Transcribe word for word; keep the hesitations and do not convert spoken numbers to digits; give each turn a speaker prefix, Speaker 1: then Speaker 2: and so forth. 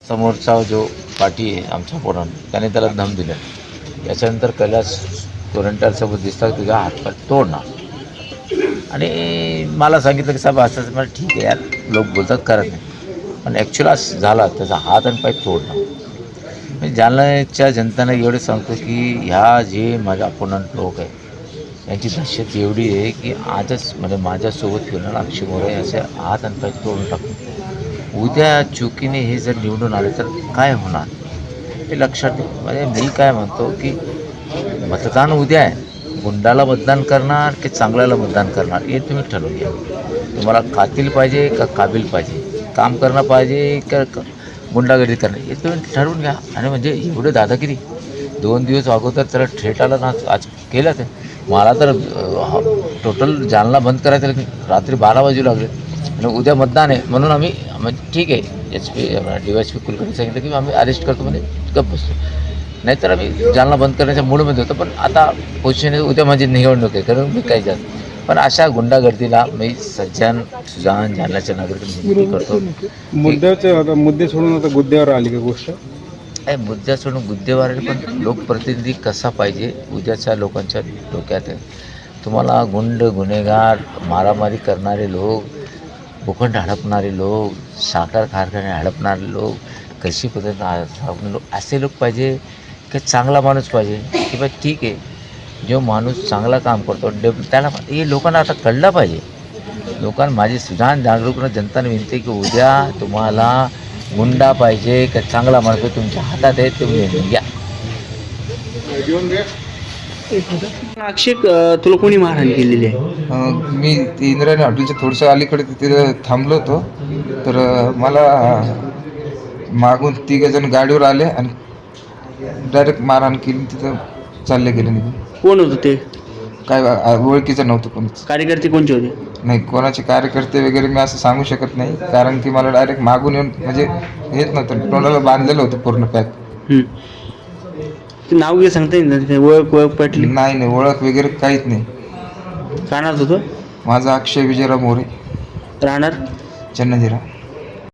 Speaker 1: समोरचा जो पाठी आहे आमचा पोरान त्याने त्याला धम दिला. याच्यानंतर कैलास गोरंट्यालसोबत दिसतात तुझा हातपाय तोडणार आणि मला सांगितलं की साहेब असं. मला ठीक आहे यार, लोक बोलतात करत नाही, पण ॲक्च्युअल असं झाला त्याचा हात आणि पाय तोडणार. मी जालन्याच्या जनतांना एवढं सांगतो की ह्या जे माझ्या अपोनंट लोक आहे यांची दहशत एवढी आहे की आजच म्हणजे माझ्यासोबत फिरणार अक्षय मोरे असे हात आणि पाय तोडून टाकून उद्या चुकीने हे जर निवडून आले तर काय होणार हे लक्षात ठेव. म्हणजे मी काय म्हणतो की मतदान उद्या आहे, गुंडाला मतदान करणार की चांगल्याला मतदान करणार हे तुम्ही ठरवून घ्या. तुम्हाला कातील पाहिजे का काबिल पाहिजे, काम करणं पाहिजे का गुंडागर्दी करणं हे तुम्ही ठरवून घ्या. आणि म्हणजे एवढं दादागिरी दोन दिवस अगोदर त्याला थेट आला ना आज केलं ते. मला तर टोटल जालना बंद करायचं रात्री बारा वाजू लागले आणि उद्या मतदान आहे म्हणून आम्ही म्हणजे ठीक आहे H P D Y S P Kulkarni सांगितलं की आम्ही अरेस्ट करतो म्हणजे गप्प बसतो. नाहीतर आम्ही जालना बंद करण्याच्या मूडमध्ये होतो. पण आता पोझिशन उद्या माझी निवडणूक आहे कारण मी काय जास्त. पण अशा गुंडागर्दीला मी सज्जन सुजान जालन्याच्या नागरिक विनंती करतो.
Speaker 2: मुद्द्याचे आता मुद्दे सोडून आता गुद्द्यावर आली का गोष्ट?
Speaker 1: आहे मुद्दा सोडून गुद्देवार पण लोकप्रतिनिधी कसा पाहिजे उद्याच्या लोकांच्या डोक्यात आहे. तुम्हाला गुंड गुन्हेगार मारामारी करणारे लोक, भूखंड हडपणारे लोक, साखर कारखाने हडपणारे लोक, कशी पद्धतीने लोक असे लोक पाहिजे की चांगला माणूस पाहिजे की बा ठीक आहे जो माणूस चांगला काम करतो डेव त्याला हे लोकांना आता कळलं पाहिजे. लोकांना माझी सुजान जागरूक जनताने विनंती की उद्या तुम्हाला गुंडा पाहिजे का चांगला माणूस तुमच्या हातात आहे तुम्ही निर्णय घ्या.
Speaker 3: अक्षय तुला कोणी मारहाण केलेली आहे?
Speaker 4: मी ते इंद्रायणी हॉटेलच्या थोडंसं अलीकडे तिथे थांबलो होतो तर मला मागून तिघजण गाडीवर आले आणि डायरेक्ट मारहाण केली. तिथं चालले गेले निघून.
Speaker 3: कोण होतं ते?
Speaker 4: काय ओळखीचं नव्हतं कोणीच.
Speaker 3: कार्यकर्ते कोणचे होते?
Speaker 4: नाही कोणाचे कार्यकर्ते वगैरे मी असं सांगू शकत नाही कारण की मला डायरेक्ट मागून येऊन म्हणजे हेच नव्हतं, तोंडाला बांधलेलं होतं पूर्ण पॅक.
Speaker 3: ते नाव घे सांगता येईल, ओळख ओळख पटली?
Speaker 4: नाही नाही ओळख वगैरे काहीच नाही.
Speaker 3: काय नाव होतं?
Speaker 4: माझा अक्षय विजयराव मोरे,
Speaker 3: राहणार
Speaker 4: चन्नजिरा.